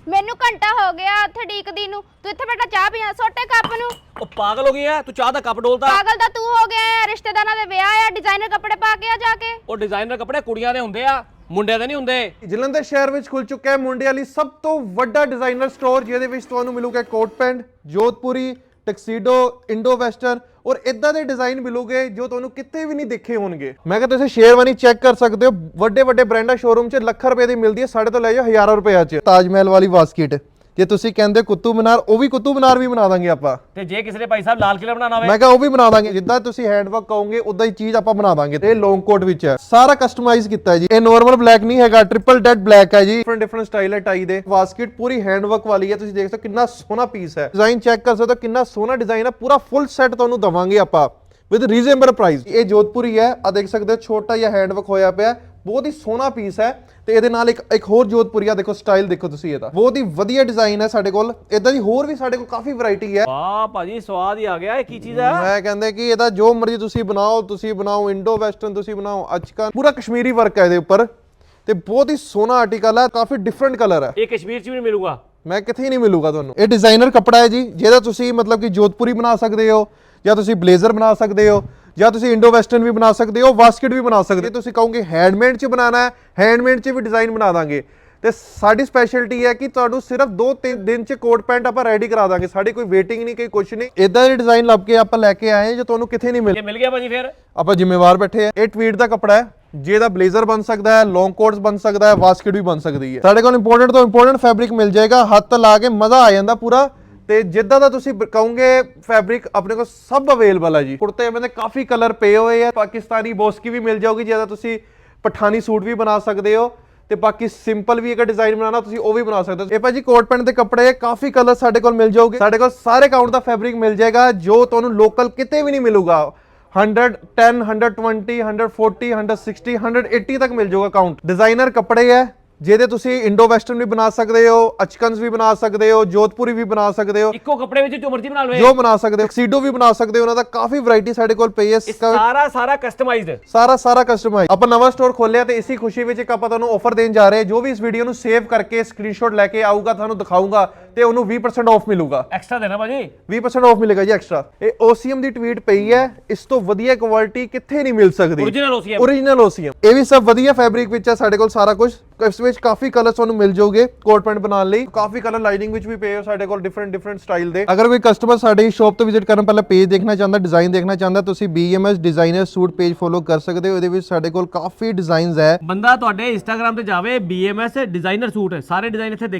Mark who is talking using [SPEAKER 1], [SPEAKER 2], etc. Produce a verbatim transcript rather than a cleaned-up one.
[SPEAKER 1] ਮੈਨੂੰ ਘੰਟਾ ਹੋ ਗਿਆ ਉੱਥੇ ਢੀਕਦੀ ਨੂੰ। ਤੂੰ ਇੱਥੇ ਬੈਠਾ ਚਾਹ ਪੀਆ ਛੋਟੇ ਕੱਪ ਨੂੰ।
[SPEAKER 2] ਉਹ ਪਾਗਲ ਹੋ ਗਈ ਆ ਤੂੰ, ਚਾਹ ਦਾ ਕੱਪ ਡੋਲਦਾ।
[SPEAKER 1] ਪਾਗਲ ਤਾਂ ਤੂੰ ਹੋ ਗਿਆ ਹੈ, ਰਿਸ਼ਤੇਦਾਰਾਂ ਦੇ ਵਿਆਹ ਆ, ਡਿਜ਼ਾਈਨਰ ਕੱਪੜੇ ਪਾ ਕੇ ਆ ਜਾ ਕੇ।
[SPEAKER 2] ਉਹ ਡਿਜ਼ਾਈਨਰ ਕੱਪੜੇ ਕੁੜੀਆਂ ਦੇ ਹੁੰਦੇ ਆ, ਮੁੰਡਿਆਂ ਦੇ ਨਹੀਂ ਹੁੰਦੇ।
[SPEAKER 3] ਜਲੰਧਰ ਸ਼ਹਿਰ ਵਿੱਚ ਖੁੱਲ ਚੁੱਕਾ ਹੈ ਮੁੰਡਿਆਂ ਲਈ ਸਭ ਤੋਂ ਵੱਡਾ ਡਿਜ਼ਾਈਨਰ ਸਟੋਰ, ਜਿਹਦੇ ਵਿੱਚ ਤੁਹਾਨੂੰ ਮਿਲੂਗਾ coat pant, Jodhpuri, tuxedo, indo western ਔਰ ਇਦਾਂ ਦੇ ਡਿਜ਼ਾਈਨ ਮਿਲੂਗੇ ਜੋ ਤੁਹਾਨੂੰ ਕਿਤੇ ਵੀ ਨਹੀਂ ਦੇਖੇ ਹੋਣਗੇ। ਮੈਂ ਕਿਹਾ ਤੁਸੀਂ ਸ਼ੇਰਵਾਨੀ ਚੈੱਕ ਕਰ ਸਕਦੇ ਹੋ, ਵੱਡੇ ਵੱਡੇ ਬ੍ਰਾਂਡਾਂ ਸ਼ੋਰੂਮ 'ਚ ਲੱਖਾਂ ਰੁਪਏ ਦੀ ਮਿਲਦੀ ਹੈ, ਸਾਡੇ ਤੋਂ ਲੈ ਜਾਓ ਹਜ਼ਾਰਾਂ ਰੁਪਏ 'ਚ। ਤਾਜ ਮਹਿਲ ਵਾਲੀ ਬਾਸਕਟ, ਜੇ ਤੁਸੀਂ ਕਹਿੰਦੇ ਕੁਤਬ ਮੀਨਾਰ, ਉਹ ਵੀ ਕੁਤਬ ਮੀਨਾਰ ਵੀ ਬਣਾ ਦਾਂਗੇ ਆਪਾਂ।
[SPEAKER 2] ਤੇ ਜੇ ਕਿਸੇ ਨੇ ਭਾਈ ਸਾਹਿਬ ਲਾਲ ਕਿਲਾ ਬਣਾਉਣਾ ਹੋਵੇ,
[SPEAKER 3] ਮੈਂ ਕਿਹਾ ਉਹ ਵੀ ਬਣਾ ਦਾਂਗੇ। ਜਿੱਦਾਂ ਤੁਸੀਂ ਹੈਂਡਵਰਕ ਕਹੋਗੇ ਉਦਾਂ ਹੀ ਚੀਜ਼ ਆਪਾਂ ਬਣਾ ਦਾਂਗੇ। ਇਹ ਲੌਂਗ ਕੋਟ ਵਿੱਚ ਹੈ, ਸਾਰਾ ਕਸਟਮਾਈਜ਼ ਕੀਤਾ ਹੈ ਜੀ। ਇਹ ਨਾਰਮਲ ਬਲੈਕ ਨਹੀਂ ਹੈਗਾ, ਟ੍ਰਿਪਲ ਡੈਡ ਬਲੈਕ ਹੈ ਜੀ। ਡਿਫਰੈਂਟ ਡਿਫਰੈਂਟ ਸਟਾਈਲ ਹੈ ਟਾਈ ਦੇ। ਬਾਸਕਟ ਪੂਰੀ ਹੈਂਡਵਰਕ ਵਾਲੀ ਹੈ, ਤੁਸੀਂ ਦੇਖ ਸਕਦੇ ਹੋ ਕਿੰਨਾ ਸੋਹਣਾ ਪੀਸ ਹੈ। ਡਿਜ਼ਾਈਨ ਚੈੱਕ ਕਰ ਸਕਦੇ ਹੋ ਕਿੰਨਾ ਸੋਹਣਾ ਡਿਜ਼ਾਈਨ ਹੈ। ਪੂਰਾ ਫੁੱਲ ਸੈੱਟ ਤੁਹਾਨੂੰ ਦਵਾਂਗੇ ਆਪਾਂ ਵਿਦ ਰੀਜ਼ਨੇਬਲ ਪ੍ਰਾਈਸ। ਇਹ ਜੋਧਪੁਰੀ ਹੈ, ਆ ਦੇਖ ਸਕਦੇ ਹੋ ਛੋਟਾ ਜਿਹਾ ਹੈਂਡਵਰਕ ਹੋਇਆ ਪਿਆ, ਬਹੁਤ ਹੀ ਸੋਹਣਾ ਪੀਸ ਹੈ। ਤੇ ਇਹਦੇ ਨਾਲ ਇੱਕ ਇੱਕ ਹੋਰ ਜੋਧਪੁਰੀਆ ਦੇਖੋ, ਸਟਾਈਲ ਦੇਖੋ ਤੁਸੀਂ, ਇਹਦਾ ਬਹੁਤ ਹੀ ਵਧੀਆ ਡਿਜ਼ਾਈਨ ਹੈ ਸਾਡੇ ਕੋਲ। ਇਦਾਂ ਦੀ ਹੋਰ ਵੀ ਸਾਡੇ ਕੋਲ ਕਾਫੀ ਵੈਰਾਈਟੀ ਹੈ।
[SPEAKER 2] ਵਾਹ ਭਾਜੀ ਸਵਾਦ ਹੀ ਆ ਗਿਆ। ਇਹ ਕੀ ਚੀਜ਼ ਹੈ?
[SPEAKER 3] ਮੈਂ ਕਹਿੰਦਾ ਕਿ ਇਹਦਾ ਜੋ ਮਰਜ਼ੀ ਤੁਸੀਂ ਬਣਾਓ, ਤੁਸੀਂ ਬਣਾਓ ਇੰਡੋ ਵੈਸਟਰਨ, ਤੁਸੀਂ ਬਣਾਓ ਅੱਜਕੱਲ ਪੂਰਾ ਕਸ਼ਮੀਰੀ ਵਰਕ ਹੈ ਇਹਦੇ ਉੱਪਰ, ਤੇ ਬਹੁਤ ਹੀ ਸੋਹਣਾ ਆਰਟੀਕਲ ਹੈ, ਕਾਫੀ ਡਿਫਰੈਂਟ ਕਲਰ ਹੈ।
[SPEAKER 2] ਇਹ ਕਸ਼ਮੀਰ 'ਚ ਵੀ ਨਹੀਂ ਮਿਲੂਗਾ,
[SPEAKER 3] ਮੈਂ ਕਿੱਥੇ ਨਹੀਂ ਮਿਲੂਗਾ ਤੁਹਾਨੂੰ। ਇਹ ਡਿਜ਼ਾਈਨਰ ਕੱਪੜਾ ਹੈ ਜੀ, ਜਿਹਦਾ ਤੁਸੀਂ ਮਤਲਬ ਕਿ ਜੋਧਪੁਰੀ ਬਣਾ ਸਕਦੇ ਹੋ, ਜਾਂ ਤੁਸੀਂ ਬਲੇਜ਼ਰ ਬਣਾ ਸਕਦੇ ਹੋ, ਜਾਂ ਤੁਸੀਂ ਇੰਡੋ ਵੈਸਟਰਨ ਵੀ ਬਣਾ ਸਕਦੇ ਹੋ, ਬਾਸਕਟ ਵੀ ਬਣਾ ਸਕਦੇ ਹੋ। ਤੁਸੀਂ ਕਹੋਗੇ ਹੈਂਡਮੇਡ 'ਚ ਬਣਾਉਣਾ ਹੈ, ਹੈਂਡਮੇਡ 'ਚ ਵੀ ਡਿਜ਼ਾਈਨ ਬਣਾ ਦਾਂਗੇ। ਤੇ ਸਾਡੀ ਸਪੈਸ਼ਲਟੀ ਹੈ ਕਿ ਤੁਹਾਨੂੰ ਸਿਰਫ ਦੋ ਤਿੰਨ ਦਿਨ 'ਚ ਕੋਟ ਪੈਂਟ ਆਪਾਂ ਰੈਡੀ ਕਰਾ ਦਾਂਗੇ। ਸਾਡੀ ਕੋਈ ਵੇਟਿੰਗ ਨਹੀਂ, ਕੋਈ ਕੁਝ ਨਹੀਂ। ਇਦਾਂ ਦੇ ਡਿਜ਼ਾਈਨ ਲੱਭ ਕੇ ਆਪਾਂ ਲੈ ਕੇ ਆਏ ਜੋ ਤੁਹਾਨੂੰ ਕਿੱਥੇ ਨਹੀਂ ਮਿਲੇ।
[SPEAKER 2] ਜੇ ਮਿਲ ਗਿਆ ਭਾਜੀ ਫਿਰ
[SPEAKER 3] ਆਪਾਂ ਜ਼ਿੰਮੇਵਾਰ ਬੈਠੇ ਆ। ਇਹ ਟਵੀਟ ਦਾ ਕੱਪੜਾ ਹੈ, ਜਿਹਦਾ ਬਲੇਜ਼ਰ ਬਣ ਸਕਦਾ ਹੈ, ਲੌਂਗ ਕੋਟਸ ਬਣ ਸਕਦਾ ਹੈ, ਬਾਸਕਟ ਵੀ ਬਣ ਸਕਦੀ ਹੈ। ਸਾਡੇ ਕੋਲ ਇੰਪੋਰਟੈਂਟ ਤੋਂ ਇੰਪੋਰਟੈਂਟ ਫੈਬਰਿਕ ਮਿਲ ਜਾਏਗਾ, ਹੱਥ ਲਾ ਕੇ ਮਜ਼ਾ ਆ ਜਾਂਦਾ ਪੂਰਾ। ਤੇ ਜਿੱਦਾਂ ਦਾ ਤੁਸੀਂ ਕਹੋਗੇ ਫੈਬਰਿਕ ਆਪਣੇ ਕੋਲ ਸਭ ਅਵੇਲੇਬਲ ਹੈ ਜੀ। ਕੁੜਤੇ में ਕਾਫੀ ਕਲਰ ਪਏ ਹੋਏ ਆ। ਪਾਕਿਸਤਾਨੀ ਬੋਸਕੀ ਵੀ ਮਿਲ ਜਾਊਗੀ, ਜਿਹਦਾ ਤੁਸੀਂ ਪਠਾਨੀ ਸੂਟ ਵੀ ਬਣਾ ਸਕਦੇ ਹੋ, ਤੇ ਬਾਕੀ ਸਿੰਪਲ ਵੀ ਇੱਕ ਡਿਜ਼ਾਈਨ ਬਣਾਉਣਾ ਤੁਸੀਂ ਉਹ ਵੀ ਬਣਾ ਸਕਦੇ ਹੋ। ਇਹ ਭਾਜੀ ਕੋਟ ਪੈਂਟ ਦੇ ਕੱਪੜੇ ਕਾਫੀ ਕਲਰ ਸਾਡੇ ਕੋਲ ਮਿਲ ਜਾਊਗੇ। ਸਾਡੇ ਕੋਲ ਸਾਰੇ ਕਾਊਂਟ ਦਾ ਫੈਬਰਿਕ ਮਿਲ ਜਾਏਗਾ ਜੋ ਤੁਹਾਨੂੰ ਲੋਕਲ ਕਿਤੇ ਵੀ ਨਹੀਂ ਮਿਲੂਗਾ। Hundred ten, hundred twenty, hundred forty, hundred sixty, hundred eighty तक मिल जाऊगा काउंट। डिजाइनर कपड़े है ਜਿਹਦੇ ਤੁਸੀਂ ਇੰਡੋ ਵੈਸਟਰਨ ਵੀ ਬਣਾ ਸਕਦੇ ਹੋ, ਅਚਕਨਸ ਵੀ ਬਣਾ ਸਕਦੇ ਹੋ, ਜੋਧਪੁਰੀ ਵੀ ਬਣਾ ਸਕਦੇ ਹੋ।
[SPEAKER 2] ਇੱਕੋ ਕੱਪੜੇ ਵਿੱਚ ਜੋ ਮਰਜ਼ੀ ਬਣਾ ਲਵੇ,
[SPEAKER 3] ਜੋ ਬਣਾ ਸਕਦੇ ਹੋ। ਟਕਸੀਡੋ ਵੀ ਬਣਾ ਸਕਦੇ ਹੋ, ਉਹਨਾਂ ਦਾ ਕਾਫੀ ਵੈਰਾਈਟੀ ਸਾਡੇ ਕੋਲ ਪਈ ਹੈ।
[SPEAKER 2] ਸਾਰਾ ਸਾਰਾ ਕਸਟਮਾਈਜ਼ਡ,
[SPEAKER 3] ਸਾਰਾ ਸਾਰਾ ਕਸਟਮਾਈਜ਼। ਆਪਾਂ ਨਵਾਂ ਸਟੋਰ ਖੋਲਿਆ ਤੇ ਇਸੇ ਖੁਸ਼ੀ ਵਿੱਚ ਇੱਕ ਆਪਾਂ ਤੁਹਾਨੂੰ ਆਫਰ ਦੇਣ ਜਾ ਰਹੇ ਹਾਂ। ਜੋ ਵੀ ਇਸ ਵੀਡੀਓ ਨੂੰ ਸੇਵ ਕਰਕੇ ਸਕਰੀਨਸ਼ਾਟ ਲੈ ਕੇ ਆਊਗਾ, ਤੁਹਾਨੂੰ ਦਿਖਾਊਗਾ, ਤੇ ਉਹਨੂੰ ਵੀਹ ਪਰਸੈਂਟ ਆਫ ਮਿਲੂਗਾ।
[SPEAKER 2] ਐਕਸਟਰਾ ਦੇਣਾ ਭਾਜੀ,
[SPEAKER 3] ਵੀਹ ਪਰਸੈਂਟ ਆਫ ਮਿਲੇਗਾ ਜੀ ਐਕਸਟਰਾ। ਇਹ ਓਸੀਐਮ ਦੀ ਟਵੀਟ ਪਈ ਹੈ, ਇਸ ਤੋਂ ਵਧੀਆ ਕੁਆਲਿਟੀ ਕਿੱਥੇ ਨਹੀਂ ਮਿਲ ਸਕਦੀ।
[SPEAKER 2] Original OCM,
[SPEAKER 3] original OCM. ਇਹ ਵੀ ਸਭ ਵਧੀਆ ਫੈਬਰਿਕ ਵਿੱਚ ਹੈ ਸਾਡੇ ਕੋਲ ਸਾਰਾ ਕੁਝ। ਇਸ ਵਿੱਚ ਕਾਫੀ ਕਲਰ ਤੁਹਾਨੂੰ ਮਿਲ ਜਾਓਗੇ ਕੋਟ ਪੈਂਟ ਬਣਾਉਣ ਲਈ। ਕਾਫੀ ਕਲਰ ਲਾਈਨਿੰਗ ਵਿੱਚ ਵੀ ਪਏ ਹੋ ਸਾਡੇ ਕੋਲ, ਡਿਫਰੈਂਟ ਡਿਫਰੈਂਟ ਸਟਾਈਲ ਦੇ। ਅਗਰ ਕੋਈ ਕਸਟਮਰ ਸਾਡੀ ਸ਼ਾਪ ਤੋਂ ਵਿਜ਼ਿਟ ਕਰਨ ਪਹਿਲਾਂ ਪੇਜ ਦੇਖਣਾ ਚਾਹੁੰਦਾ, ਡਿਜ਼ਾਈਨ ਦੇਖਣਾ ਚਾਹੁੰਦਾ, ਤੁਸੀਂ BMS designer suit page follow ਕਰ ਸਕਦੇ ਹੋ। ਇਹਦੇ ਵਿੱਚ ਸਾਡੇ ਕੋਲ ਕਾਫੀ ਡਿਜ਼ਾਈਨਸ ਹੈ।
[SPEAKER 2] ਬੰਦਾ ਤੁਹਾਡੇ ਇੰਸਟਾਗ੍ਰam ਤੇ ਜਾਵੇ, ਬੀਐਮਐਸ ਡਿਜ਼ਾਈਨਰ ਸੂਟ ਸਾਰੇ ਡਿਜ਼ਾਈਨ ਇੱਥੇ